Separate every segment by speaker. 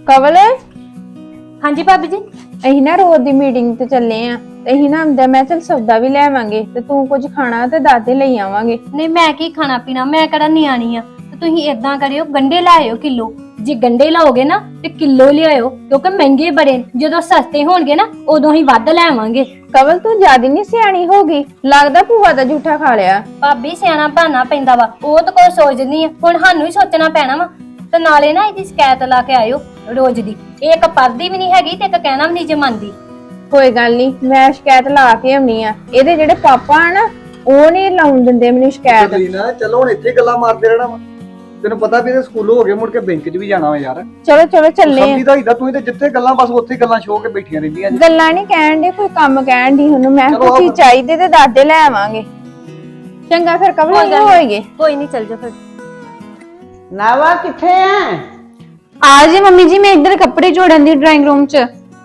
Speaker 1: ਕਵਲ
Speaker 2: ਹਾਂਜੀ ਭਾਬੀ ਜੀ।
Speaker 1: ਅਸੀਂ ਨਾ ਰੋਜ਼ ਦੀ ਮੀਟਿੰਗ ਤੇ ਚੱਲੇ ਆ ਤੇ ਅਸੀਂ ਨਾ ਆਂਦਾ ਮੈਂ ਚਲ ਸੌਦਾ ਵੀ ਲੈ ਆਵਾਂਗੇ ਤੇ ਤੂੰ ਕੁਝ ਖਾਣਾ ਤੇ ਦਾਦੇ ਲਈ ਆਵਾਂਗੇ।
Speaker 2: ਨਹੀਂ ਮੈਂ ਕੀ ਖਾਣਾ ਪੀਣਾ, ਮੈਂ ਕਿਹੜਾ ਨਿਆਣੀ ਆ। ਤੇ ਤੁਸੀਂ ਇਦਾਂ ਕਰਿਓ, ਗੰਡੇ ਲੈ ਆਇਓ ਕਿਲੋ। ਜੇ ਗੰਡੇ ਲਾਓਗੇ ਨਾ ਤੇ ਕਿਲੋ ਲਿਆਇਓ, ਕਿਉਂਕਿ ਮਹਿੰਗੇ ਬੜੇ। ਜਦੋਂ ਸਸਤੇ ਹੋਣਗੇ ਨਾ ਉਦੋਂ ਹੀ ਵੱਧ ਲੈ ਆਵਾਂਗੇ।
Speaker 1: ਕਵਲ ਤੂੰ ਜਿਆਦਾ ਨਹੀਂ ਸਿਆਣੀ ਹੋ ਗਈ, ਲੱਗਦਾ ਭੂਆ ਦਾ ਝੂਠਾ ਖਾ ਲਿਆ।
Speaker 2: ਭਾਬੀ ਸਿਆਣਾ ਬਹਾਨਾ ਪੈਂਦਾ ਵਾ, ਉਹ ਤਾਂ ਕੋਈ ਸੋਚਦੀ ਆ। ਹੁਣ ਸਾਨੂੰ ਹੀ ਸੋਚਣਾ ਪੈਣਾ ਵਾ। ਤੇ ਨਾਲੇ ਨਾ ਇਹਦੀ ਸ਼ਿਕਾਇਤ ਲਾ ਕੇ ਆਇਓ ਰੋਜ਼ ਦੀ। ਇਹ ਇੱਕ ਪੜਦੀ ਵੀ ਨਹੀਂ ਹੈਗੀ ਤੇ ਇੱਕ ਕਹਿਣਾ ਵੀ ਨਹੀਂ ਜਮਾਂਦੀ।
Speaker 1: ਕੋਈ ਗੱਲ ਨਹੀਂ, ਮੈਂ ਸ਼ਿਕਾਇਤ ਲਾ ਕੇ ਆਉਣੀ ਆ। ਇਹਦੇ ਜਿਹੜੇ ਪਾਪਾ ਆ ਨਾ ਉਹ ਨਹੀਂ ਲਾਉਣ ਦਿੰਦੇ ਮੈਨੂੰ ਸ਼ਿਕਾਇਤ।
Speaker 3: ਨਾ ਚਲੋ ਹੁਣ ਇੱਥੇ ਗੱਲਾਂ ਮਾਰਦੇ ਰਹਿਣਾ ਵਾ। ਤੈਨੂੰ ਪਤਾ ਵੀ ਇਹ ਸਕੂਲੋਂ ਹੋ ਗਏ, ਮੁੜ ਕੇ ਬੈਂਕ 'ਚ ਵੀ ਜਾਣਾ ਵਾ ਯਾਰ।
Speaker 1: ਚਲੋ ਚਲੋ ਚੱਲੇ ਆ।
Speaker 3: ਸਮਝੀਦਾ ਹੀਦਾ ਤੂੰ ਤੇ ਜਿੱਥੇ ਗੱਲਾਂ ਬਸ ਉੱਥੇ ਗੱਲਾਂ ਛੋ ਕੇ ਬੈਠੀਆਂ ਰਹਿੰਦੀਆਂ ਜੀ।
Speaker 1: ਗੱਲਾਂ ਨਹੀਂ ਕਹਿਣ ਦੇ, ਕੋਈ ਕੰਮ ਕਹਿਣ ਦੀ। ਉਹਨੂੰ ਮੈਂ
Speaker 3: ਚਲੋ
Speaker 1: ਕੋਈ ਚਾਹੀਦੇ ਤੇ ਦਾਦੇ ਲੈ ਆਵਾਂਗੇ। ਚੰਗਾ ਫਿਰ ਕਵਲ ਹੀ ਹੋਏਗੇ।
Speaker 2: ਕੋਈ ਨਹੀਂ, ਚੱਲ ਜਾ ਫਿਰ।
Speaker 4: ਨਾਵਾ ਕਿੱਥੇ ਆ?
Speaker 1: ਆ ਜੀ ਮੰਮੀ ਜੀ, ਮੈਂ ਇੱਧਰ ਕੱਪੜੇ ਜੋੜਨ ਦੀ ਡਰਾਇੰਗ ਰੂਮ 'ਚ।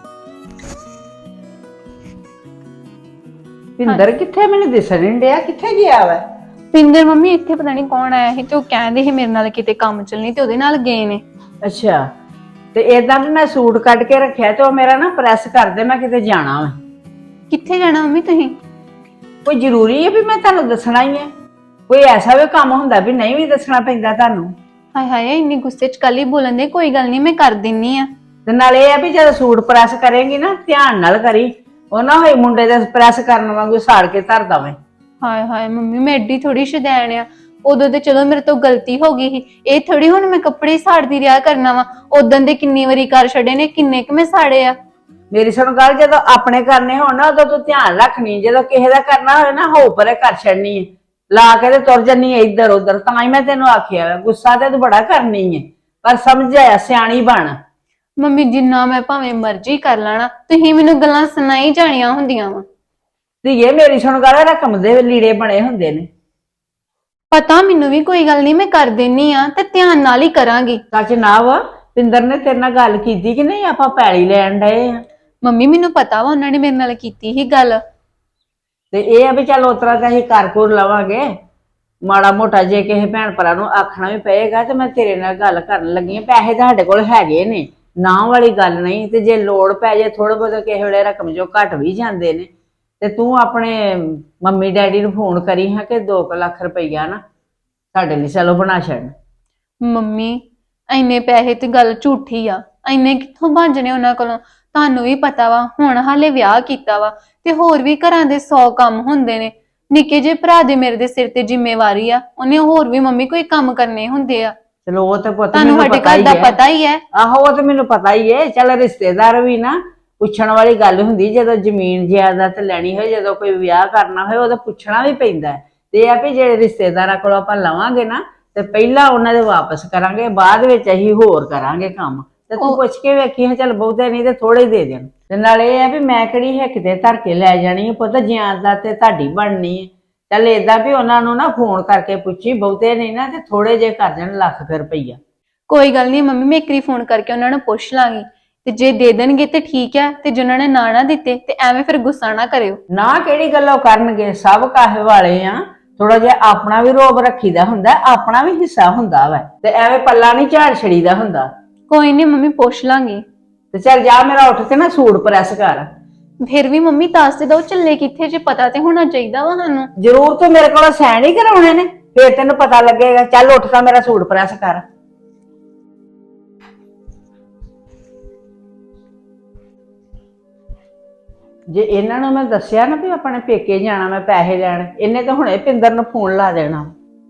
Speaker 4: ਪਿੰਦਰ ਕਿੱਥੇ? ਮੈਨੂੰ ਦਿਸਣ ਨਹੀਂ ਡਿਆ, ਕਿੱਥੇ ਗਿਆ ਵਾ?
Speaker 1: ਪਿੰਦਰ ਮੰਮੀ ਇੱਥੇ ਪਤਾ ਨਹੀਂ ਕੌਣ ਆਇਆ ਸੀ ਤੇ ਉਹ ਕਹਿੰਦੇ ਸੀ ਮੇਰੇ ਨਾਲ ਕਿਤੇ ਕੰਮ ਚੱਲਣੀ ਤੇ ਉਹਦੇ ਨਾਲ ਗਏ ਨੇ।
Speaker 4: ਅੱਛਾ, ਤੇ ਏਦਾਂ ਵੀ ਮੈਂ ਸੂਟ ਕੱਢ ਕੇ ਰੱਖਿਆ ਤੇ ਉਹ ਮੇਰਾ ਨਾ ਪ੍ਰੈਸ ਕਰ ਦੇ, ਮੈਂ ਕਿਤੇ ਜਾਣਾ ਵਾ।
Speaker 1: ਕਿੱਥੇ ਜਾਣਾ ਮੰਮੀ ਤੁਸੀਂ?
Speaker 4: ਕੋਈ ਜ਼ਰੂਰੀ ਹੈ ਵੀ ਮੈਂ ਤੁਹਾਨੂੰ ਦੱਸਣਾ ਹੀ ਹੈ? ਕੋਈ ਐਸਾ ਵੀ ਕੰਮ ਹੁੰਦਾ ਵੀ ਨਹੀਂ ਵੀ ਦੱਸਣਾ ਪੈਂਦਾ ਤੁਹਾਨੂੰ?
Speaker 1: ਹਾਏ ਹਾਏ, ਇੰਨੀ ਗੁੱਸੇ 'ਚ ਕੱਲ ਹੀ ਬੋਲਣ ਦੇ। ਕੋਈ ਗੱਲ ਨਹੀਂ, ਮੈਂ ਕਰ ਦਿੰਨੀ ਆ।
Speaker 4: ਤੇ ਨਾਲ ਇਹ ਆ ਵੀ ਜਦੋਂ ਸੂਟ ਪ੍ਰੈਸ ਕਰੇਂਗੀ ਨਾ ਧਿਆਨ ਨਾਲ ਕਰੀ, ਉਹ ਨਾ ਹੋਏ ਮੁੰਡੇ ਦੇ ਪ੍ਰੈਸ ਕਰਨ ਵਾਂਗੂ ਸਾੜ ਕੇ ਧਰ ਦਵੇਂ।
Speaker 1: ਹਾਏ ਹਾਏ ਮੰਮੀ, ਮੈਂ ਐਡੀ ਥੋੜੀ ਸ਼ੁਦੈਣ ਆ। ਉਦੋਂ ਤੇ ਚਲੋ ਮੇਰੇ ਤੋਂ ਗਲਤੀ ਹੋ ਗਈ ਸੀ। ਇਹ ਥੋੜੀ ਹੁਣ ਮੈਂ ਕੱਪੜੇ ਸਾੜਦੀ ਰਿਹਾ ਕਰਨਾ ਵਾ। ਉਦੋਂ ਦੇ ਕਿੰਨੀ ਵਾਰੀ ਕਰ ਛੱਡੇ ਨੇ, ਕਿੰਨੇ ਕੁ ਮੈਂ ਸਾੜੇ ਆ।
Speaker 4: ਮੇਰੀ ਸੁਣ ਗੱਲ, ਜਦੋਂ ਆਪਣੇ ਕਰਨੇ ਹੋਣ ਨਾ ਉਦੋਂ ਤੂੰ ਧਿਆਨ ਰੱਖਣੀ, ਜਦੋਂ ਕਿਸੇ ਦਾ ਕਰਨਾ ਹੋਵੇ ਨਾ ਹੋ ਪਰੇ ਕਰ ਛੱਡਣੀ ਹੈ, ਲਾ ਕੇ ਤੇ ਤੁਰ ਜੰਨੀ ਹੈ ਇੱਧਰ ਉੱਧਰ। ਤਾਂ ਹੀ ਮੈਂ ਤੈਨੂੰ ਆਖਿਆ ਵਾ, ਗੁੱਸਾ ਤੇ ਤੂੰ ਬੜਾ ਕਰਨੀ ਹੈ, ਪਰ ਸਮਝ ਆਇਆ, ਸਿਆਣੀ ਬਣ।
Speaker 1: ਮੰਮੀ ਜਿੰਨਾ ਮੈਂ ਭਾਵੇਂ ਮਰਜ਼ੀ ਕਰ ਲੈਣਾ, ਤੁਸੀਂ ਮੈਨੂੰ ਗੱਲਾਂ ਸੁਣਾਈ ਜਾਣੀਆਂ ਹੁੰਦੀਆਂ ਵਾ।
Speaker 4: ਧੀਏ ਮੇਰੀ ਸੁਣ ਗੱਲ, ਰਕਮ ਦੇ ਲੀੜੇ ਬਣੇ ਹੁੰਦੇ ਨੇ।
Speaker 1: ਪਤਾ ਮੈਨੂੰ ਵੀ, ਕੋਈ ਗੱਲ ਨਹੀਂ, ਮੈਂ ਕਰ ਦਿੰਨੀ ਆ ਤੇ ਧਿਆਨ ਨਾਲ ਹੀ ਕਰਾਂਗੀ।
Speaker 4: ਸੱਚ ਨਾ ਵਾ, ਪਿੰਦਰ ਨੇ ਤੇਰੇ ਨਾਲ ਗੱਲ ਕੀਤੀ ਕਿ ਨਹੀਂ? ਆਪਾਂ ਪੈਲੀ ਲੈਣ ਡਏ ਆ।
Speaker 1: ਮੰਮੀ ਮੈਨੂੰ ਪਤਾ ਵਾ, ਉਹਨਾਂ ਨੇ ਮੇਰੇ ਨਾਲ ਕੀਤੀ ਸੀ ਗੱਲ।
Speaker 4: ਤੇ ਇਹ ਆ ਵੀ ਚੱਲ ਉਤਰਾ ਤਾਂ ਅਸੀਂ ਕਰ ਕੁਰ ਲਵਾਂਗੇ। ਮਾੜਾ ਮੋਟਾ ਜੇ ਕਿਸੇ ਭੈਣ ਭਰਾ ਨੂੰ ਆਖਣਾ ਵੀ ਪਏਗਾ ਤੇ ਮੈਂ ਤੇਰੇ ਨਾਲ ਗੱਲ ਕਰਨ ਲੱਗੀ ਆ। ਪੈਸੇ ਤਾਂ ਸਾਡੇ ਕੋਲ ਹੈਗੇ ਨੇ, ਨਾ ਵਾਲੀ ਗੱਲ ਨਹੀਂ। ਤੇ ਜੇ ਲੋੜ ਪੈ ਜੇ ਥੋੜਾ ਬਹੁਤ ਕਿਸੇ ਵੇਲੇ ਰਕਮ ਜੋ ਘਟ ਵੀ ਜਾਂਦੇ ਨੇ, ਤੇ ਤੂੰ ਆਪਣੇ ਮੰਮੀ ਡੈਡੀ ਨੂੰ ਫੋਨ ਕਰੀ ਹਾਂ ਕਿ 2 ਲੱਖ ਰੁਪਈਆ ਨਾ ਸਾਡੇ ਲਈ ਚਲੋ ਬਣਾ ਛੱਡ।
Speaker 1: ਮੰਮੀ ਇੰਨੇ ਪੈਸੇ ਤੇ ਗੱਲ ਝੂਠੀ ਆ। ਇੰਨੇ ਕਿੱਥੋਂ ਭੱਜਣੇ ਉਹਨਾਂ ਕੋਲੋਂ? ਤੁਹਾਨੂੰ ਵੀ ਪਤਾ ਵਾ, ਹੁਣ ਹਾਲੇ ਵਿਆਹ ਕੀਤਾ ਵਾ ਤੇ ਹੋਰ ਵੀ ਘਰਾਂ ਦੇ 100 ਕੰਮ ਹੁੰਦੇ ਨੇ। ਨਿੱਕੇ ਜਿਹੇ ਭਰਾ ਦੇ ਮੇਰੇ ਦੇ ਸਿਰ ਤੇ ਜ਼ਿੰਮੇਵਾਰੀ ਆ। ਉਹਨੇ ਹੋਰ ਵੀ ਮੰਮੀ ਕੋਈ ਕੰਮ ਕਰਨੇ ਹੁੰਦੇ ਆ।
Speaker 4: ਚਲੋ ਉਹ ਤੇ ਪੁੱਤ
Speaker 1: ਤੁਹਾਨੂੰ ਸਾਡੇ ਘਰ ਦਾ ਪਤਾ ਹੀ ਹੈ।
Speaker 4: ਆਹੋ ਉਹ ਤੇ ਮੈਨੂੰ ਪਤਾ ਹੀ ਹੈ। ਚੱਲ ਰਿਸ਼ਤੇਦਾਰ ਵੀ ਨਾ ਪੁੱਛਣ ਵਾਲੀ ਗੱਲ ਹੁੰਦੀ, ਜਦੋਂ ਜ਼ਮੀਨ ਜਾਇਦਾਦ ਲੈਣੀ ਹੋਏ, ਜਦੋਂ ਕੋਈ ਵਿਆਹ ਕਰਨਾ ਹੋਏ, ਉਹਦਾ ਪੁੱਛਣਾ ਵੀ ਪੈਂਦਾ। ਤੇ ਇਹ ਆ ਵੀ ਜਿਹੜੇ ਰਿਸ਼ਤੇਦਾਰਾਂ ਕੋਲੋਂ ਆਪਾਂ ਲਵਾਂਗੇ ਨਾ ਤੇ ਪਹਿਲਾਂ ਉਹਨਾਂ ਦੇ ਵਾਪਸ ਕਰਾਂਗੇ, ਬਾਅਦ ਵਿੱਚ ਅਸੀਂ ਹੋਰ ਕਰਾਂਗੇ ਕੰਮ। ਤੇ ਤੂੰ ਪੁੱਛ ਕੇ ਵੇਖੀ ਹਾਂ, ਚੱਲ ਬਹੁਤੇ ਨਹੀਂ ਤੇ ਥੋੜੇ ਦੇ ਦੇਣ। ਤੇ ਨਾਲ ਇਹ ਆ ਵੀ ਮੈਂ ਕਿਹੜੀ ਹਿੱਕ ਤੇ ਧਰ ਕੇ ਲੈ ਜਾਣੀ ਹੈ ਪੁੱਤ, ਜਿਆਦਾ ਤੇ ਤੁਹਾਡੀ ਬਣਨੀ ਹੈ। ਚੱਲ ਏਦਾਂ ਵੀ ਉਹਨਾਂ ਨੂੰ ਨਾ ਫੋਨ ਕਰਕੇ ਪੁੱਛੀ, ਬਹੁਤੇ ਨਹੀਂ ਨਾ ਤੇ ਥੋੜੇ ਜੇ ਕਰ ਦੇਣ, ਲੱਖ ਰੁਪਈਆ।
Speaker 1: ਕੋਈ ਗੱਲ ਨਹੀਂ ਮੰਮੀ, ਮੈਂ ਇੱਕ ਵਾਰੀ ਫੋਨ ਕਰਕੇ ਉਹਨਾਂ ਨੂੰ ਪੁੱਛ ਲਾਂਗੀ ਤੇ ਜੇ ਦੇ ਦੇਣਗੇ ਤੇ ਠੀਕ ਹੈ, ਤੇ ਜੇ ਉਹਨਾਂ ਨੇ ਨਾ ਦਿੱਤੇ ਤੇ ਐਵੇਂ ਫਿਰ ਗੁੱਸਾ ਨਾ ਕਰਿਓ।
Speaker 4: ਨਾ ਕਿਹੜੀ ਗੱਲੋਂ ਕਰਨਗੇ, ਸਭ ਕਾਹੇ ਵਾਲੇ ਆ। ਥੋੜਾ ਜਿਹਾ ਆਪਣਾ ਵੀ ਰੋਬ ਰੱਖੀਦਾ ਹੁੰਦਾ, ਆਪਣਾ ਵੀ ਹਿੱਸਾ ਹੁੰਦਾ ਵਾ, ਤੇ ਐਵੇਂ ਪੱਲਾ ਨਹੀਂ ਝਾੜ ਛੜੀਦਾ ਹੁੰਦਾ।
Speaker 1: ਕੋਈ ਨਹੀਂ ਮੰਮੀ, ਪੁੱਛ ਲਾਂਗੀ।
Speaker 4: ਤੇ ਚੱਲ ਜਾ, ਮੇਰਾ ਉੱਠ ਕੇ ਨਾ ਸੂਟ ਪ੍ਰੈਸ ਕਰ।
Speaker 1: ਫਿਰ ਵੀ ਮੰਮੀ ਦੱਸ ਤੇ ਦੋ, ਚੱਲੇ ਕਿੱਥੇ ਜੇ? ਪਤਾ ਤੇ ਹੋਣਾ ਚਾਹੀਦਾ ਵਾ ਸਾਨੂੰ।
Speaker 4: ਜ਼ਰੂਰ ਤੂੰ ਮੇਰੇ ਕੋਲ ਸਾਈਨ ਹੀ ਕਰਾਉਣੇ ਨੇ, ਫੇਰ ਤੈਨੂੰ ਪਤਾ ਲੱਗੇਗਾ। ਚੱਲ ਉੱਠ ਤਾਂ ਮੇਰਾ ਸੂਟ ਪ੍ਰੈਸ ਕਰ। ਜੇ ਇਹਨਾਂ ਨੂੰ ਮੈਂ ਦੱਸਿਆ ਨਾ ਵੀ ਆਪਣੇ ਪੇਕੇ ਜਾਣਾ, ਮੈਂ ਪੈਸੇ ਲੈਣ, ਇਹਨੇ ਤਾਂ ਹੁਣੇ ਪਿੰਦਰ ਨੂੰ ਫੋਨ ਲਾ ਦੇਣਾ।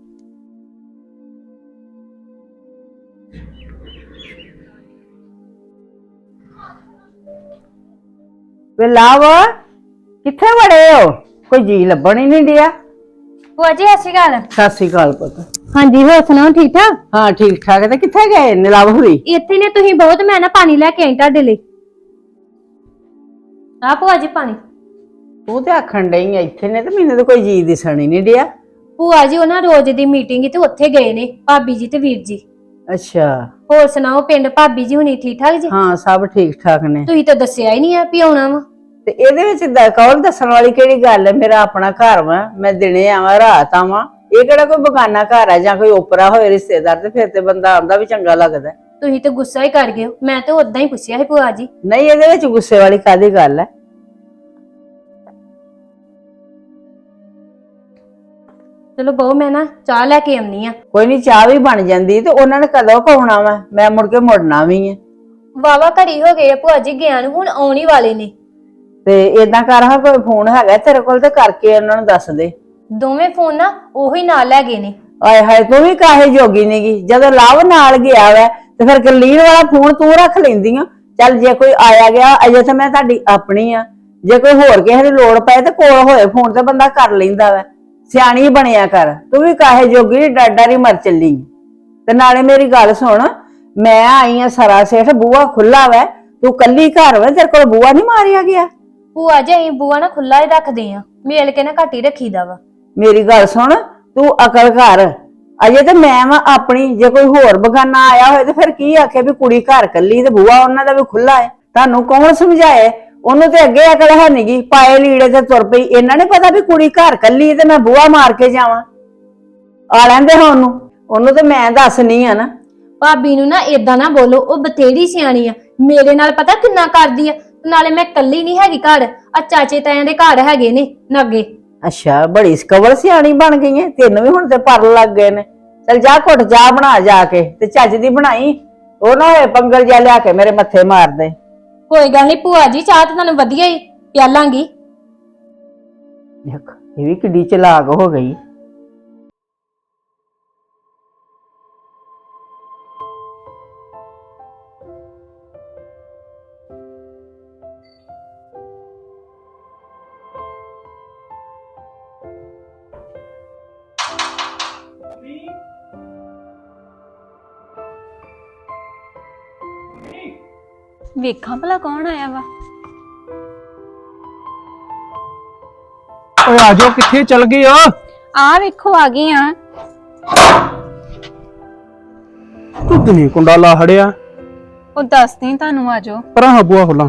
Speaker 4: ਵੇ ਲਾਵ, ਕਿੱਥੇ ਵੜੇ ਹੋ? ਕੋਈ ਜੀ ਲੱਭਣ ਹੀ ਨਹੀਂ ਡਿਆ।
Speaker 2: ਭੂਆ ਜੀ ਸਤਿ ਸ਼੍ਰੀ ਅਕਾਲ।
Speaker 4: ਸਤਿ ਸ੍ਰੀ ਅਕਾਲ ਪੁੱਤ।
Speaker 2: ਹਾਂਜੀ, ਹੋਰ ਸੁਣਾਓ, ਠੀਕ ਠਾਕ?
Speaker 4: ਹਾਂ ਠੀਕ ਠਾਕ। ਤੇ ਕਿੱਥੇ ਗਏ ਨਿਲਾਵ ਹੋਰੀ?
Speaker 2: ਇੱਥੇ ਨੇ ਤੁਸੀਂ ਬਹੁਤ, ਮੈਂ ਨਾ ਪਾਣੀ ਲੈ ਕੇ ਆਈ ਤੁਹਾਡੇ ਲਈ। ਆ ਭੂਆ ਜੀ ਪਾਣੀ।
Speaker 4: ਤੂੰ ਤੇ ਆਖਣ ਡਈ ਆ ਇੱਥੇ ਨੇ, ਤੇ ਮੈਨੂੰ ਤਾਂ ਕੋਈ ਜੀ ਦਿਸਣ ਹੀ ਨਹੀਂ ਡਿਆ।
Speaker 2: ਭੂਆ ਜੀ ਉਹਨਾਂ ਰੋਜ਼ ਦੀ ਮੀਟਿੰਗ ਤੇ ਉੱਥੇ ਗਏ ਨੇ, ਭਾਬੀ ਜੀ ਤੇ ਵੀਰ ਜੀ।
Speaker 4: ਅੱਛਾ,
Speaker 2: ਹੋਰ ਸੁਣਾਓ, ਪਿੰਡ ਭਾਬੀ ਜੀ ਹੁਣੀ ਠੀਕ ਠਾਕ ਜੀ?
Speaker 4: ਹਾਂ ਸਭ ਠੀਕ ਠਾਕ ਨੇ।
Speaker 2: ਤੁਸੀਂ ਤਾਂ ਦੱਸਿਆ ਹੀ ਨਹੀਂ ਆ ਵੀ ਆਉਣਾ ਵਾ।
Speaker 4: ਤੇ ਇਹਦੇ ਵਿੱਚ ਕੌਣ ਦੱਸਣ ਵਾਲੀ ਕਿਹੜੀ ਗੱਲ ਹੈ? ਮੇਰਾ ਆਪਣਾ ਘਰ ਵਾ, ਮੈਂ ਦਿਨੇ ਆਵਾਂ ਰਾਤ ਆਵਾਂ। ਇਹ ਕਿਹੜਾ ਕੋਈ ਬਗਾਨਾ ਘਰ ਹੈ ਜਾਂ ਕੋਈ ਓਪਰਾ ਹੋਏ ਰਿਸ਼ਤੇਦਾਰ? ਤੇ ਫਿਰ ਤੇ ਬੰਦਾ ਆਉਂਦਾ ਵੀ ਚੰਗਾ ਲੱਗਦਾ।
Speaker 2: ਤੁਸੀਂ ਤੇ ਗੁੱਸਾ ਹੀ ਕਰ ਗਏ ਹੋ। ਮੈਂ ਤੇ ਉਦਾਂ ਹੀ ਪੁੱਛਿਆ ਸੀ ਭੂਆ ਜੀ।
Speaker 4: ਨਹੀਂ ਇਹਦੇ ਵਿੱਚ ਗੁੱਸੇ ਵਾਲੀ ਕਾਹਦੀ ਗੱਲ ਹੈ?
Speaker 2: ਚਲੋ ਬਹੁ ਮੈਂ ਨਾ ਚਾਹ ਲੈ ਕੇ ਆਉਣੀ ਆ।
Speaker 4: ਕੋਈ ਨਹੀਂ, ਚਾਹ ਵੀ ਬਣ ਜਾਂਦੀ ਤੇ ਉਹਨਾਂ ਨੇ ਕਦੋਂ ਕਹਾਉਣਾ ਵਾ? ਮੈਂ ਮੁੜ ਕੇ ਮੁੜਨਾ ਵੀ ਹੈ।
Speaker 2: ਵਾਵਾ ਘੜੀ ਹੋ ਗਏ ਆ ਭੂਆ ਜੀ ਗਿਆ ਨੂੰ, ਹੁਣ ਆਉਣ ਹੀ ਵਾਲੇ ਨੇ।
Speaker 4: ਤੇ ਏਦਾਂ ਕਰ, ਹਾਂ ਕੋਈ ਫੋਨ ਹੈਗਾ ਤੇਰੇ ਕੋਲ ਤੇ ਕਰਕੇ ਉਹਨਾਂ ਨੂੰ ਦੱਸ ਦੇ।
Speaker 2: ਦੋਵੇਂ ਫੋਨ ਨਾ ਉਹੀ ਨਾਲ ਲੈ ਗਏ ਨੇ।
Speaker 4: ਆਏ ਹਾਏ, ਤੂੰ ਵੀ ਕਾਹੇ ਜੋਗੀ ਨੀਗੀ? ਜਦੋਂ ਲਵ ਨਾਲ ਗਿਆ ਵੈ ਤੇ ਫਿਰ ਗਰਲੀਨ ਵਾਲਾ ਫੋਨ ਤੂੰ ਰੱਖ ਲੈਂਦੀ ਆ। ਚੱਲ ਜੇ ਕੋਈ ਆਇਆ ਗਿਆ, ਅਜੇ ਤਾਂ ਮੈਂ ਤੁਹਾਡੀ ਆਪਣੀ ਆ, ਜੇ ਕੋਈ ਹੋਰ ਕਿਸੇ ਦੀ ਲੋੜ ਪਏ ਤੇ ਕੋਲ ਹੋਏ ਫੋਨ ਤੇ ਬੰਦਾ ਕਰ ਲੈਂਦਾ ਵੈ। ਸਿਆਣੀ ਬਣਿਆ ਕਰ, ਤੂੰ ਵੀ ਕਾਹੇ ਜੋਗੀ ਡਾਡਾ ਮਰ ਚੱਲੀ। ਤੇ ਨਾਲੇ ਮੇਰੀ ਗੱਲ ਸੁਣ, ਮੈਂ ਆਈ ਆ ਸਰਾ ਸੇਠ, ਬੂਹਾ ਖੁੱਲਾ ਵੈ, ਤੂੰ ਕੱਲੀ ਘਰ ਵੈ, ਤੇਰੇ ਕੋਲ ਬੂਹਾ ਨਹੀਂ ਮਾਰਿਆ ਗਿਆ?
Speaker 2: ਭੂਆ ਜੀ ਅਸੀਂ ਬੂਆ ਨਾ ਖੁੱਲਾ ਹੀ ਰੱਖਦੇ ਆ, ਮੇਲ ਕੇ ਨਾ ਘੱਟ ਹੀ ਰੱਖੀਦਾ ਵਾ।
Speaker 4: ਮੇਰੀ ਗੱਲ ਸੁਣ, ਤੂੰ ਅਕਲ ਕਰ, ਅਜੇ ਤੇ ਮੈਂ ਵਾ ਆਪਣੀ। ਜੇ ਕੋਈ ਹੋਰ ਬਗਾਨਾ ਆਇਆ ਹੋਏ ਤੇ ਫਿਰ ਕੀ ਆਖੇ ਵੀ ਕੁੜੀ ਘਰ ਕੱਲੀ ਤੇ ਬੂਹਾ ਉਹਨਾਂ ਦਾ ਵੀ ਖੁੱਲਾ ਹੈ? ਤੁਹਾਨੂੰ ਕੌਣ ਸਮਝਾਏ? ਉਹਨੂੰ ਤੇ ਅੱਗੇ ਅਕਲ ਹੈ ਨੀਗੀ, ਪਾਏ ਲੀੜੇ ਤੇ ਤੁਰ ਪਈ। ਇਹਨਾਂ ਨੇ ਪਤਾ ਵੀ ਕੁੜੀ ਘਰ ਕੱਲੀ ਤੇ ਮੈਂ ਬੂਹਾ ਮਾਰ ਕੇ ਜਾਵਾਂ? ਆ ਲੈਂਦੇ ਹਾਂ ਉਹਨੂੰ ਤੇ ਮੈਂ ਦੱਸਣੀ ਆ ਨਾ।
Speaker 2: ਭਾਬੀ ਨੂੰ ਨਾ ਏਦਾਂ ਨਾ ਬੋਲੋ, ਉਹ ਬਥੇਰੀ ਸਿਆਣੀ ਆ। ਮੇਰੇ ਨਾਲ ਪਤਾ ਕਿੰਨਾ ਕਰਦੀ ਆ। ਨਾਲੇ ਮੈਂ ਕੱਲੀ ਨਹੀਂ ਹੈਗੀ ਘਰ, ਆ ਚਾਚੇ ਤਾਇਆਂ ਦੇ ਘਰ ਹੈਗੇ ਨੇ ਨਾਗੇ।
Speaker 4: ਅੱਛਾ, ਬੜੀ ਸਕਵਲ ਸਿਆਣੀ ਬਣ ਗਈ ਹੈ, ਤੈਨੂੰ ਵੀ ਹੁਣ ਤੇ ਪਰ ਲੱਗ ਗਏ ਨੇ। ਚਲ ਜਾ ਘੁੱਟ ਚਾਹ ਬਣਾ ਜਾ ਕੇ, ਤੇ ਚੱਜ ਦੀ ਬਣਾਈ, ਉਹ ਨਾ ਹੋਏ ਪੰਗਲ ਜਿਹਾ ਲਿਆ ਕੇ ਮੇਰੇ ਮੱਥੇ ਮਾਰ ਦੇ।
Speaker 2: ਕੋਈ ਗੱਲ ਨਹੀਂ ਭੂਆ ਜੀ, ਚਾਹ ਤਾਂ ਤੁਹਾਨੂੰ ਵਧੀਆ ਹੀ ਪਿਆਲਾਂਗੀ।
Speaker 4: ਦੇਖ ਇਹ ਵੀ ਕਿੱਡੀ ਚਲਾਕ ਹੋ ਗਈ।
Speaker 1: ਵੇਖਾਂ ਭਲਾ ਕੌਣ ਆਇਆ ਵਾ।
Speaker 5: ਓਏ ਆ ਜਾਓ, ਕਿੱਥੇ ਚਲ ਗਏ ਆ?
Speaker 1: ਆ ਵੇਖੋ ਆ ਗਈ ਆ।
Speaker 5: ਦੁੱਧ ਨਹੀਂ ਕੁੰਡਾ ਲਾ ਹੜਿਆ।
Speaker 1: ਉਹ ਦੱਸਦੀ ਤੁਹਾਨੂੰ, ਆ ਜਾਓ।
Speaker 5: ਪਰਾਂ ਹਬੂਆ ਖੁੱਲਾ।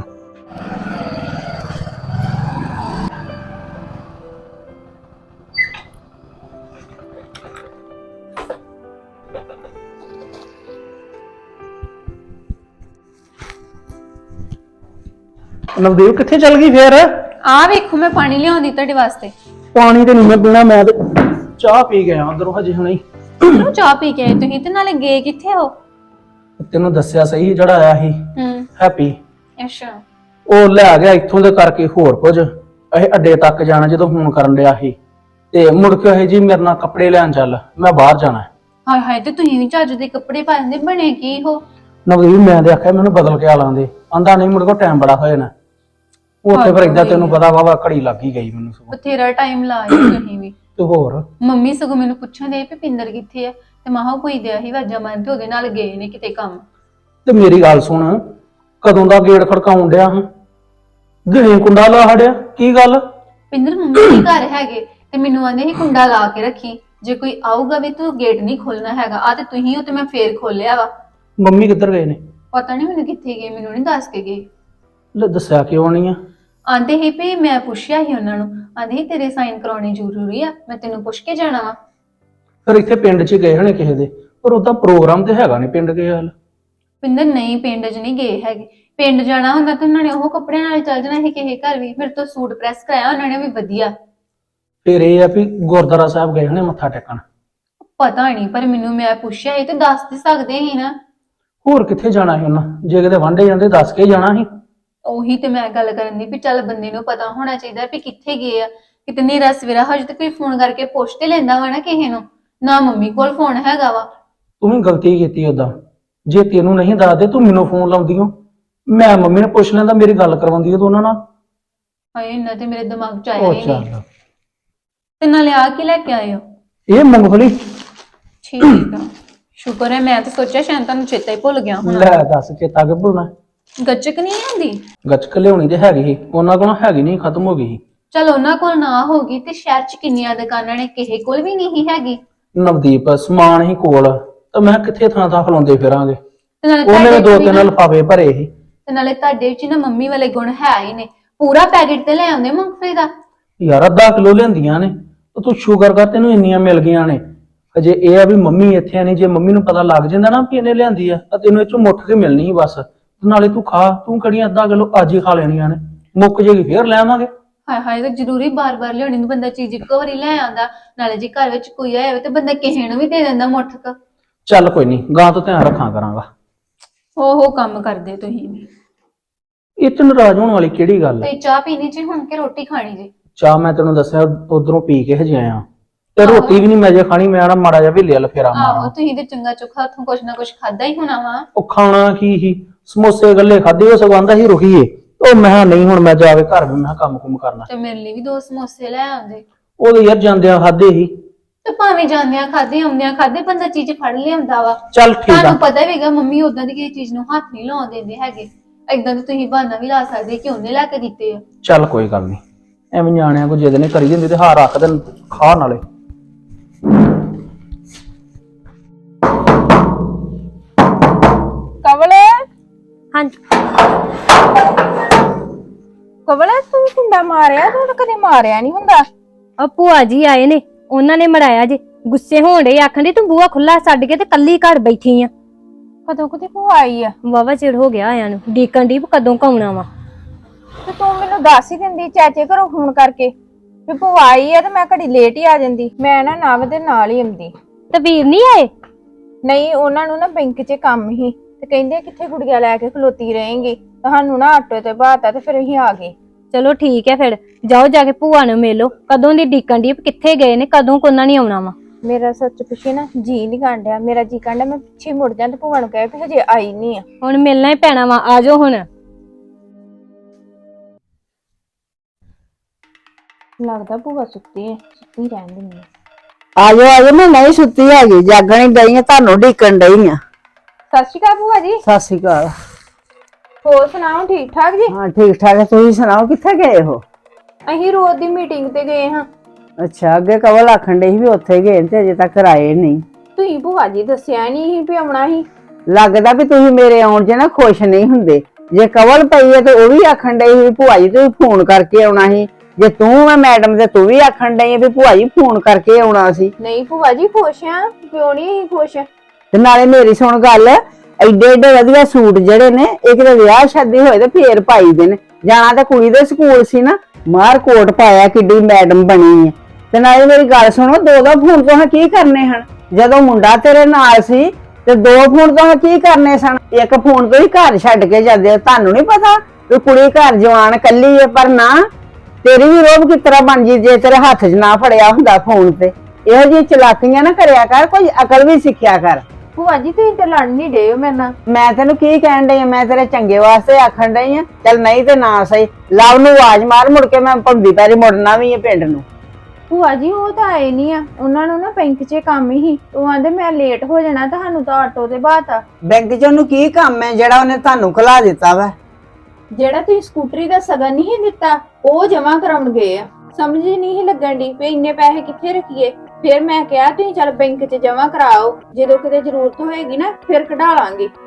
Speaker 5: ਨਵਦੀਪ ਕਿੱਥੇ ਚਲ ਗਈ ਫੇਰ?
Speaker 1: ਆ ਵੇਖੋ ਮੈਂ ਪਾਣੀ ਲਿਆਉਂਦੀ ਤੁਹਾਡੇ ਵਾਸਤੇ।
Speaker 5: ਪਾਣੀ ਤੇ ਨਹੀਂ ਮੈਂ ਪੀਣਾ, ਮੈਂ ਤੇ ਚਾਹ ਪੀ ਗਿਆ ਉਧਰੋਂ ਹਜੇ ਹੁਣੇ।
Speaker 1: ਕਿਉਂ ਚਾਹ ਪੀ ਕੇ ਆਏ ਤੁਸੀਂ? ਤੇ ਨਾਲੇ ਗਏ ਕਿੱਥੇ ਹੋ?
Speaker 5: ਤੈਨੂੰ ਦੱਸਿਆ ਸਹੀ, ਜਿਹੜਾ ਆਇਆ ਸੀ ਹੈਪੀ,
Speaker 1: ਅੱਛਾ।
Speaker 5: ਉਹ ਲੈ ਗਿਆ ਇੱਥੋਂ ਦੇ ਕਰਕੇ ਹੋਰ ਕੁਝ। ਇਹ ਅੱਡੇ ਤੱਕ ਜਾਣਾ ਜਦੋਂ ਫੋਨ ਕਰਨ ਡਿਆ ਸੀ, ਤੇ ਮੁੜ ਕੇ ਇਹ ਜੀ ਮੇਰੇ ਨਾਲ ਕੱਪੜੇ ਲੈਣ ਚੱਲ, ਮੈਂ ਬਾਹਰ ਜਾਣਾ।
Speaker 1: ਹਾਏ ਹਾਏ, ਤੇ ਤੁਸੀਂ ਵੀ ਚੱਜ ਦੇ ਕੱਪੜੇ ਪਾਉਂਦੇ, ਬਣੇ ਕੀ ਹੋ?
Speaker 5: ਨਵਦੀਪ ਮੈਂ ਤੇ ਆਖਿਆ ਮੈਨੂੰ ਬਦਲ ਕੇ ਆ ਲਾਂਦੇ, ਆਂਦਾ ਨਹੀਂ ਮੁੜ ਕੇ ਟਾਈਮ ਬੜਾ ਹੋ ਜਾਣਾ। ਉੱਥੇ ਫਿਰ ਏਦਾਂ ਤੈਨੂੰ ਪਤਾ ਵਾ ਘੜੀ ਲੱਗ ਹੀ ਗਈ ਮੈਨੂੰ ਸਗੋਂ।
Speaker 1: ਬਥੇਰਾ ਟਾਈਮ ਲਾਇਆ ਤੁਸੀਂ ਵੀ।
Speaker 5: ਤੇ ਹੋਰ
Speaker 1: ਮੰਮੀ ਸਗੋਂ ਮੈਨੂੰ ਪੁੱਛਣ ਦੇ ਵੀ ਪਿੰਦਰ ਕਿੱਥੇ ਆ, ਤੇ ਮਾਹਾ ਕੋਈ ਦਿਆ ਹੀ ਵਾਜਾ ਮਾਰਦੇ ਉਹਦੇ ਨਾਲ ਗਏ ਨੇ ਕਿਤੇ ਕੰਮ।
Speaker 5: ਤੇ ਮੇਰੀ ਗੱਲ ਸੁਣ, ਕਦੋਂ ਦਾ ਗੇੜ ਖੜਕਾਉਣ ਡਿਆ ਹਾਂ, ਗਏ ਕੁੰਡਾ ਲਾ ਹੜਿਆ, ਕੀ ਗੱਲ?
Speaker 1: ਪਿੰਦਰ ਮੰਮੀ ਦੇ ਘਰ ਹੈਗੇ ਤੇ ਮੈਨੂੰ ਆਂਦੇ ਸੀ ਕੁੰਡਾ ਲਾ ਕੇ ਰੱਖੀ, ਜੇ ਕੋਈ ਆਊਗਾ ਵੀ ਤੂੰ ਗੇਟ ਨਹੀਂ ਖੋਲਣਾ ਹੈਗਾ। ਆ ਤੇ ਤੁਸੀਂ ਹੋ ਤੇ ਮੈਂ ਫੇਰ ਖੋਲਿਆ ਵਾ।
Speaker 5: ਮੰਮੀ ਕਿੱਧਰ ਗਏ ਨੇ?
Speaker 1: ਪਤਾ ਨਹੀਂ ਮੈਨੂੰ ਕਿੱਥੇ ਗਏ, ਮੈਨੂੰ ਨਹੀਂ ਦੱਸ ਕੇ ਗਏ।
Speaker 5: ਲੈ ਦੱਸਿਆ ਕਿਉਂ ਨਹੀਂ ਆ?
Speaker 1: ਆਂਦੇ ਹੀ ਵੀ ਮੈਂ ਪੁੱਛਿਆ ਸੀ ਉਹਨਾਂ ਨੂੰ, ਆਂਦੇ ਸੀ ਤੇਰੇ ਸਾਈਨ ਕਰਾਉਣੇ ਜ਼ਰੂਰੀ ਆ, ਮੈਂ ਤੈਨੂੰ ਪੁੱਛ ਕੇ ਜਾਣਾ ਵਾ।
Speaker 5: ਫਿਰ ਇੱਥੇ ਪਿੰਡ 'ਚ ਗਏ ਹੋਣੇ ਕਿਸੇ ਦੇ, ਪਰ ਉਹਦਾ ਪ੍ਰੋਗਰਾਮ ਤੇ ਹੈਗਾ ਨਹੀਂ ਪਿੰਡ ਕੇ ਹਾਲ।
Speaker 1: ਪਿੰਦਰ ਨਹੀਂ, ਪਿੰਡ 'ਚ ਨਹੀਂ ਗਏ ਹੈਗੇ। ਪਿੰਡ ਜਾਣਾ ਹੁੰਦਾ ਤਾਂ ਉਹਨਾਂ ਨੇ ਉਹ ਕੱਪੜਿਆਂ ਨਾਲ ਚੱਲ ਜਾਣਾ ਸੀ ਕਿਸੇ ਘਰ ਵੀ। ਮੇਰੇ ਤੋਂ ਸੂਟ ਪ੍ਰੈਸ ਕਰਾਇਆ ਉਹਨਾਂ ਨੇ ਵੀ ਵਧੀਆ।
Speaker 5: ਫਿਰ ਇਹ ਆ ਵੀ ਗੁਰਦੁਆਰਾ ਸਾਹਿਬ ਗਏ ਹੋਣੇ ਮੱਥਾ ਟੇਕਣ।
Speaker 1: ਪਤਾ ਨਹੀਂ, ਪਰ ਮੈਨੂੰ ਮੈਂ ਪੁੱਛਿਆ ਸੀ ਤੇ ਦੱਸ ਤੇ ਸਕਦੇ ਸੀ ਨਾ।
Speaker 5: ਹੋਰ ਕਿੱਥੇ ਜਾਣਾ ਸੀ ਉਹਨਾਂ? ਜੇ ਕਿਤੇ ਵਾਂਢੇ ਜਾਂਦੇ ਦੱਸ ਕੇ ਜਾਣਾ ਸੀ।
Speaker 1: ਉਹੀ ਤੇ ਮੈਂ ਗੱਲ ਕਰਨ ਦੀ ਵੀ ਚੱਲ ਬੰਦੇ ਨੂੰ ਪਤਾ ਹੋਣਾ ਚਾਹੀਦਾ ਵੀ ਕਿੱਥੇ ਗਏ ਆ। ਕਿਤੇ ਨੇਰਾ ਸਵੇਰਾ ਹਜੇ ਤੱਕ ਕੋਈ ਫੋਨ ਕਰਕੇ ਪੁੱਛ ਤੇ ਲੈਂਦਾ ਵਾ ਨਾ ਕਿਸੇ ਨੂੰ। ਨਾ ਮੰਮੀ ਕੋਲ ਫੋਨ ਹੈਗਾ ਵਾ।
Speaker 5: ਤੂੰ ਵੀ ਗਲਤੀ ਕੀਤੀ ਓਦਾਂ, ਜੇ ਤੈਨੂੰ ਨਹੀਂ ਦੱਸਦੇ ਤੂੰ ਮੈਨੂੰ ਫੋਨ ਲਾਉਂਦੀ ਹੋ, ਮੈਂ ਮੰਮੀ ਨੂੰ ਪੁੱਛ ਲੈਂਦਾ, ਮੇਰੀ ਗੱਲ ਕਰਵਾਉਂਦੀ ਤੂੰ ਉਹਨਾਂ ਨਾਲ।
Speaker 1: ਹਾਏ ਇੰਨਾ ਤੇ ਮੇਰੇ ਦਿਮਾਗ 'ਚ ਆਇਆ
Speaker 5: ਉਹ
Speaker 1: ਹੀ ਨਹੀਂ।
Speaker 5: ਚੱਲ,
Speaker 1: ਤੇ ਨਾਲੇ ਆ ਕੀ ਲੈ ਕੇ ਆਏ ਹੋ?
Speaker 5: ਇਹ ਮੂੰਗਫਲੀ।
Speaker 1: ਠੀਕ ਆ, ਸ਼ੁਕਰ ਹੈ, ਮੈਂ ਤਾਂ ਸੋਚਿਆ ਸ਼ਾਇਦ ਤੁਹਾਨੂੰ ਚੇਤਾ ਹੀ ਭੁੱਲ ਗਿਆ ਹੋਣਾ।
Speaker 5: ਲੈ ਦੱਸ ਚੇਤਾ ਕਿ ਭੁੱਲਣਾ?
Speaker 1: ਗੱਚਕ ਨਹੀਂ ਆਂਦੀ?
Speaker 5: ਗੱਚਕ ਲਿਆਉਣੀ ਤੇ ਹੈਗੀ ਸੀ, ਉਹਨਾਂ ਕੋਲ ਹੈਗੀ ਨਹੀਂ, ਖਤਮ ਹੋ ਗਈ ਸੀ।
Speaker 1: ਚਲ ਉਹਨਾਂ ਕੋਲ ਨਾ ਹੋਗੀ ਤੇ ਸ਼ਹਿਰ 'ਚ ਕਿੰਨੀਆਂ ਦੁਕਾਨਾਂ ਨੇ, ਕਿਸੇ ਕੋਲ ਵੀ ਨਹੀਂ ਹੈਗੀ।
Speaker 5: ਨਵਦੀਪ ਸਮਾਨ ਹੀ ਕੋਲ, ਤਾਂ ਮੈਂ ਕਿੱਥੇ ਥਾਂ ਥਾਂ ਖਲੋਂਦੇ ਫਿਰਾਂਗੇ।
Speaker 1: ਤੇ ਨਾਲੇ
Speaker 5: ਉਹਨੇ
Speaker 1: ਤੁਹਾਡੇ
Speaker 5: ਦੋ
Speaker 1: ਵੀ
Speaker 5: ਤਿੰਨ
Speaker 1: ਨਾ-
Speaker 5: ਲਿਫਾਫੇ ਭਰੇ ਸੀ।
Speaker 1: ਤੇ ਨਾਲੇ ਤੁਹਾਡੇ ਵਿੱਚ ਨਾ ਮੰਮੀ ਵਾਲੇ ਗੁਣ ਹੈ ਹੀ ਨੇ। ਪੂਰਾ ਪੈਕੇਟ ਤੇ ਲੈ ਆਉਂਦੇ ਮੂੰਗਫਲੀ ਦਾ।
Speaker 5: ਯਾਰ ਅੱਧਾ ਕਿਲੋ ਲਿਆਂਦੀਆਂ ਨੇ, ਤੇ ਤੂੰ ਸ਼ੂਗਰ ਕਰ ਤੈਨੂੰ ਇੰਨੀਆਂ ਮਿਲ ਗਈਆਂ ਨੇ। ਅਜੇ ਇਹ ਆ ਵੀ ਮੰਮੀ ਇੱਥੇ ਆ ਨਹੀਂ, ਜੇ ਮੰਮੀ ਨੂੰ ਪਤਾ ਲੱਗ ਜਾਂਦਾ ਨਾ ਕਿ ਇਹਨੇ ਲਿਆਂਦੀ ਆ ਤਾਂ ਤੈਨੂੰ ਇਹ ਚੋਂ ਮੁੱਠ ਕੇ ਮਿਲਣੀ ਸੀ ਬਸ। ਨਾਲੇ ਤੂੰ ਖਾ, ਤੂੰ ਕਿਹੜੀਆਂ ਅੱਧਾ ਕਿਲੋ ਅੱਜ ਹੀ ਖਾ ਲੈਣੀਆਂ ਨੇ, ਮੁੱਕ ਜੇਗੀ ਫੇਰ ਲੈ ਆਵਾਂਗੇ।
Speaker 1: ਹਾਏ ਹਾਏ, ਤਾਂ ਜ਼ਰੂਰੀ ਬਾਰ-ਬਾਰ ਲਿਆਉਣੀ ਨੂੰ ਬੰਦਾ ਚੀਜ਼ ਇੱਕੋ ਵਾਰੀ ਲੈ ਆਉਂਦਾ। ਨਾਲੇ ਜੇ ਘਰ ਵਿੱਚ ਕੋਈ ਆਇਆ ਹੋਵੇ ਤੇ ਬੰਦਾ ਕਿਸੇ ਨੂੰ ਵੀ ਦੇ ਦਿੰਦਾ ਮੁੱਠ ਕ।
Speaker 5: ਚੱਲ ਕੋਈ ਨਹੀਂ, ਗਾਂ ਤੋਂ ਧਿਆਨ ਰੱਖਾਂ ਕਰਾਂਗਾ।
Speaker 1: ਹੋ ਕੰਮ ਕਰਦੇ ਤੁਸੀਂ ਵੀ।
Speaker 5: ਇਹ ਚ ਨਾਰਾਜ਼ ਹੋਣ ਵਾਲੀ ਕਿਹੜੀ ਗੱਲ ਹੈ?
Speaker 1: ਤੇ ਚਾਹ ਪੀਣੀ ਜੀ ਹੁਣ ਕਿ ਰੋਟੀ ਖਾਣੀ ਜੀ?
Speaker 5: ਚਾਹ ਮੈਂ ਤੈਨੂੰ ਦੱਸਿਆ ਉਧਰੋਂ ਪੀ ਕੇ ਹਜੇ ਆਇਆ, ਤੇ ਰੋਟੀ ਵੀ ਨਹੀਂ ਮੈਂ ਜੇ ਖਾਣੀ, ਮੈਂ ਨਾ ਮਾੜਾ ਜਿਹਾ ਵੇਲੇ ਵਾਲ ਫੇਰਾ
Speaker 1: ਆਹੋ,
Speaker 5: ਮਾਰਾਂ।
Speaker 1: ਤੁਸੀਂ ਤੇ ਚੰਗਾ ਚੁੱਖਾ ਹੱਥੋਂ ਕੁਛ ਨਾ ਕੁਛ ਖਾਦਾ ਹੀ ਹੋਣਾ ਵਾ।
Speaker 5: ਉਹ ਖਾਣਾ ਕੀ ਹੀ, ਸਮੋਸੇ ਗੱਲੇ ਖਾਦੇ, ਉਹ ਸਗੋਂ ਆਂਦਾ ਸੀ ਰੁਕੀਏ। ਉਹ ਮੈਂ ਕਿਹਾ ਨਹੀਂ, ਹੁਣ ਮੈਂ ਜਾ ਕੇ ਘਰ ਵੀ ਮੈਂ ਕੰਮ ਕੁਮ ਕਰਨਾ।
Speaker 1: ਤੇ ਮੇਰੇ ਲਈ ਵੀ 2 ਸਮੋਸੇ ਲੈ ਆਉਂਦੇ।
Speaker 5: ਉਹਦੇ ਯਾਰ ਜਾਂਦਿਆਂ ਖਾਦੇ ਹੀ।
Speaker 1: ਤੇ ਭਾਵੇਂ ਜਾਂਦਿਆਂ ਖਾਦੇ ਆਉਂਦਿਆਂ ਖਾਦੇ, ਬੰਦਾ ਚੀਜ਼ ਫੜ ਲਿਆਉਂਦਾ ਵਾ।
Speaker 5: ਚੱਲ ਠੀਕ ਆ।
Speaker 1: ਤੁਹਾਨੂੰ ਪਤਾ ਵੀਗਾ ਮੰਮੀ ਉਦਾਂ ਦੀ ਕਿਸੇ ਚੀਜ਼ ਨੂੰ ਹੱਥ ਨਹੀਂ ਲਾਉਣ ਦਿੰਦੇ ਹੈਗੇ। ਏਦਾਂ ਤੇ ਤੁਸੀਂ ਬਹਾਨਾ ਵੀ ਲਾ ਸਕਦੇ ਕਿ ਉਹਨੇ ਲੈ ਕੇ ਦਿੱਤੇ ਆ।
Speaker 5: ਚੱਲ ਕੋਈ ਗੱਲ ਨਹੀਂ, ਐਵੇਂ ਨਿਆਣਿਆਂ ਕੋ ਜਿੱਦ ਨਹੀਂ ਕਰੀ ਜਾਂਦੀ ਤੇ ਹਾਰ ਰੱਖ ਦੇਣ, ਖਾ ਨਾਲੇ।
Speaker 6: ਕਵਲ,
Speaker 2: ਹਾਂਜੀ
Speaker 6: ਕਵਲ ਤੂੰ ਕੁੰਡਾ ਮਾਰਿਆ? ਤੂੰ ਤਾਂ ਕਦੇ ਮਾਰਿਆ ਨਹੀਂ ਹੁੰਦਾ।
Speaker 2: ਆ ਭੂਆ ਜੀ ਆਏ ਨੇ, ਉਹਨਾਂ ਨੇ ਮਰਾਇਆ ਜੇ। ਗੁੱਸੇ ਹੋਣ ਡੇ, ਆਖਣ ਡਏ ਤੂੰ ਬੂਹਾ ਖੁੱਲਾ ਛੱਡ ਕੇ ਤੇ ਕੱਲੀ ਘਰ ਬੈਠੀ ਆ।
Speaker 6: ਕਦੋਂ ਕਦੀ ਭੂਆ ਆਈ ਆ?
Speaker 2: ਵਾਵਾ ਚਿਰ ਹੋ ਗਿਆ ਆਇਆਂ ਨੂੰ, ਡੀਕਣ ਦੀ ਕਦੋਂ ਕਾਉਣਾ ਵਾ।
Speaker 6: ਤੇ ਤੂੰ ਮੈਨੂੰ ਦੱਸ ਹੀ ਦਿੰਦੀ ਚਾਚੇ ਘਰੋਂ ਫੋਨ ਕਰਕੇ ਵੀ ਭੂਆ ਆਈ ਆ, ਤੇ ਮੈਂ ਘੜੀ ਲੇਟ ਹੀ ਆ ਜਾਂਦੀ। ਮੈਂ ਨਾ ਨਵ ਦੇ ਨਾਲ ਹੀ ਆਉਂਦੀ।
Speaker 2: ਤੇ ਵੀਰ ਨਹੀਂ ਆਏ?
Speaker 6: ਨਹੀਂ, ਉਹਨਾਂ ਨੂੰ ਨਾ ਬੈਂਕ 'ਚ ਕੰਮ ਹੀ, ਤੇ ਕਹਿੰਦੇ ਕਿੱਥੇ ਗੁੜੀਆ ਲੈ ਕੇ ਖਲੋਤੀ ਰਹੇਂਗੀ। ਤੁਹਾਨੂੰ ਨਾ ਆਟੋ ਤੇ ਬਾਤਾ ਤੇ ਫਿਰ ਅਸੀਂ ਆ ਗਏ।
Speaker 2: ਚਲੋ ਠੀਕ ਹੈ, ਫਿਰ ਜਾਓ ਜਾ ਕੇ ਭੂਆ ਨੂੰ ਮਿਲੋ। ਕਦੋਂ ਦੀ ਡੀਕਣ ਦੀ, ਕਿੱਥੇ ਗਏ ਨੇ, ਕਦੋਂ ਕੋਨਾ ਨਹੀਂ ਆਉਣਾ ਵਾ।
Speaker 6: ਮੇਰਾ ਸੱਚ ਪਿੱਛੇ ਨਾ ਜੀ ਨਹੀਂ ਕਾਂਡਿਆ, ਮੇਰਾ ਜੀ ਕਾਂਡਿਆ ਮੈਂ ਪਿੱਛੇ ਮੁੜ ਜਾਂ ਤੇ ਭੂਆ ਨੂੰ ਕਹੇ ਵੀ ਹਜੇ ਆਈ ਨਹੀਂ ਆ।
Speaker 2: ਹੁਣ ਮਿਲਣਾ ਹੀ ਪੈਣਾ ਵਾ, ਆ ਜਾਓ ਹੁਣ।
Speaker 6: ਲੱਗਦਾ ਭੂਆ ਸੁੱਤੀ ਹੈ, ਸੁੱਤੀ ਰਹਿਣ ਦਿੰਦੀ ਆ।
Speaker 4: ਆਜੋ ਆਜੋ, ਮੈਂ ਨਹੀਂ ਸੁੱਤੀ ਹੈਗੀ, ਜਾਗਣ ਹੀ ਡਈ ਆ, ਤੁਹਾਨੂੰ ਢੀਕਣ ਡਈ ਆ।
Speaker 6: ਸਤਿ ਸ਼੍ਰੀ ਅਕਾਲ ਭੂਆ ਜੀ।
Speaker 4: ਸਤਿ ਸ਼੍ਰੀ ਅਕਾਲ।
Speaker 6: ਹੋਰ ਸੁਣਾਓ, ਠੀਕ ਠਾਕ ਜੀ?
Speaker 4: ਹਾਂ ਠੀਕ ਠਾਕ ਹੈ, ਤੁਸੀਂ ਸੁਣਾਓ ਕਿੱਥੇ ਗਏ ਹੋ?
Speaker 6: ਅਸੀਂ ਰੋਜ਼ ਦੀ ਮੀਟਿੰਗ ਤੇ ਗਏ ਹਾਂ।
Speaker 4: ਅੱਛਾ, ਅੱਗੇ ਕਵਲ ਆਖਣ ਡਈ ਸੀ ਵੀ ਉੱਥੇ ਗਏ ਤੇ ਅਜੇ ਤੱਕ ਆਏ ਨਹੀਂ।
Speaker 6: ਤੁਸੀਂ ਭੂਆ ਜੀ ਦੱਸਿਆ ਨਹੀਂ ਸੀ ਵੀ ਆਉਣਾ ਸੀ।
Speaker 4: ਲੱਗਦਾ ਵੀ ਤੁਸੀਂ ਮੇਰੇ ਆਉਣ 'ਚ ਨਾ ਖੁਸ਼ ਨਹੀਂ ਹੁੰਦੇ। ਜੇ ਕਵਲ ਪਈ ਹੈ ਤੇ ਉਹ ਵੀ ਆਖਣ ਡਈ ਸੀ ਵੀ ਭੂਆ ਜੀ ਤੁਸੀਂ ਫੋਨ ਕਰਕੇ ਆਉਣਾ ਸੀ। ਜੇ ਤੂੰ ਮੈਂ ਮੈਡਮ ਤੇ ਤੂੰ ਵੀ ਆਖਣ ਡਈ ਵੀ ਭੂਆ ਜੀ ਫੋਨ ਕਰਕੇ ਆਉਣਾ ਸੀ।
Speaker 6: ਨਹੀਂ ਭੂਆ ਜੀ ਖੁਸ਼ ਆ, ਕਿਉਂ ਨਹੀਂ ਅਸੀਂ ਖੁਸ਼?
Speaker 4: ਤੇ ਨਾਲੇ ਮੇਰੀ ਸੁਣ ਗੱਲ, ਐਡੇ ਐਡੇ ਵਧੀਆ ਸੂਟ ਜਿਹੜੇ ਨੇ ਇਹ ਕਿਤੇ ਵਿਆਹ ਸ਼ਾਦੀ ਹੋਏ ਤੇ ਫੇਰ ਪਾਈ ਦੇ ਨੇ। ਜਾਣਾ ਤੇ ਕੁੜੀ ਦੇ ਸਕੂਲ ਸੀ ਨਾ, ਮਾਰ ਕੋਟ ਪਾਇਆ, ਕਿੱਡੀ ਮੈਡਮ ਬਣੀ ਹੈ। ਤੇ ਨਾਲੇ ਮੇਰੀ ਗੱਲ ਸੁਣੋ, 2 ਫੋਨ ਤੋਂ ਕੀ ਕਰਨੇ ਹਨ? ਜਦੋਂ ਮੁੰਡਾ ਤੇਰੇ ਨਾਲ ਸੀ ਤੇ 2 ਫੋਨ ਤੋਂ ਕੀ ਕਰਨੇ ਸਨ? ਇੱਕ ਫੋਨ ਤੋਂ ਹੀ ਘਰ ਛੱਡ ਕੇ ਜਾਂਦੇ। ਤੁਹਾਨੂੰ ਨਹੀਂ ਪਤਾ ਵੀ ਕੁੜੀ ਘਰ ਜਵਾਨ ਕੱਲੀ ਹੈ? ਪਰ ਨਾ, ਤੇਰੀ ਵੀ ਰੋਬ ਕਿਸ ਤਰ੍ਹਾਂ ਬਣ ਜੀ ਜੇ ਤੇਰੇ ਹੱਥ 'ਚ ਨਾ ਫੜਿਆ ਹੁੰਦਾ ਫੋਨ ਤੇ। ਇਹੋ ਜਿਹੀ ਚਲਾਕੀਆਂ ਨਾ ਕਰਿਆ ਕਰ, ਕੋਈ ਅਕਲ ਵੀ ਸਿੱਖਿਆ ਕਰ।
Speaker 6: ਭੂਆ ਜੀ ਤੁਸੀਂ ਤੇ ਲੜ ਨਹੀਂ ਡਏ ਹੋ ਮੇਰੇ ਨਾਲ।
Speaker 4: ਮੈਂ ਤੈਨੂੰ ਕੀ ਕਹਿਣ ਡਈ ਆ? ਮੈਂ ਤੇਰੇ ਚੰਗੇ ਵਾਸਤੇ ਆਖਣ ਡਈ ਆ। ਚੱਲ ਨਹੀਂ ਤੇ ਨਾ ਸਹੀ, ਲਵ ਨੂੰ ਆਵਾਜ਼ ਮਾਰ, ਮੁੜ ਕੇ ਮੈਂ ਭੰਦੀ ਪੈਰੀ ਮੁੜਨਾ ਵੀ ਹੈ ਪਿੰਡ ਨੂੰ।
Speaker 6: ਭੂਆ ਜੀ ਉਹ ਤਾਂ ਆਏ ਨਹੀਂ ਆ, ਉਹਨਾਂ ਨੂੰ ਨਾ ਬੈਂਕ 'ਚ ਕੰਮ ਹੀ। ਉਹ ਆਂਦੇ ਮੈਂ ਲੇਟ ਹੋ ਜਾਣਾ, ਤੁਹਾਨੂੰ ਤਾਂ ਆਟੋ ਤੇ ਬਾਤਾ।
Speaker 4: ਬੈਂਕ 'ਚ ਉਹਨੂੰ ਕੀ ਕੰਮ ਹੈ ਜਿਹੜਾ ਉਹਨੇ ਤੁਹਾਨੂੰ ਖਲਾ ਦਿੱਤਾ ਵਾ?
Speaker 6: ਜਿਹੜਾ ਤੁਸੀਂ ਸਕੂਟਰੀ ਦਾ ਸਗਨ ਨਹੀਂ ਦਿੱਤਾ, ਉਹ ਜਮਾ ਕਰਾਉਣ ਗਏ ਆ। ਸਮਝ ਨਹੀਂ ਲੱਗਣ ਦੀ ਵੀ ਇੰਨੇ ਪੈਸੇ ਕਿੱਥੇ ਰੱਖੀਏ। ਫਿਰ ਮੈਂ ਕਿਹਾ ਤੁਸੀਂ ਚੱਲ ਬੈਂਕ 'ਚ ਜਮਾ ਕਰਾਓ, ਜਦੋਂ ਕਿਤੇ ਜ਼ਰੂਰਤ ਹੋਏਗੀ ਨਾ ਫਿਰ ਕਢਾ ਲਾਂਗੇ।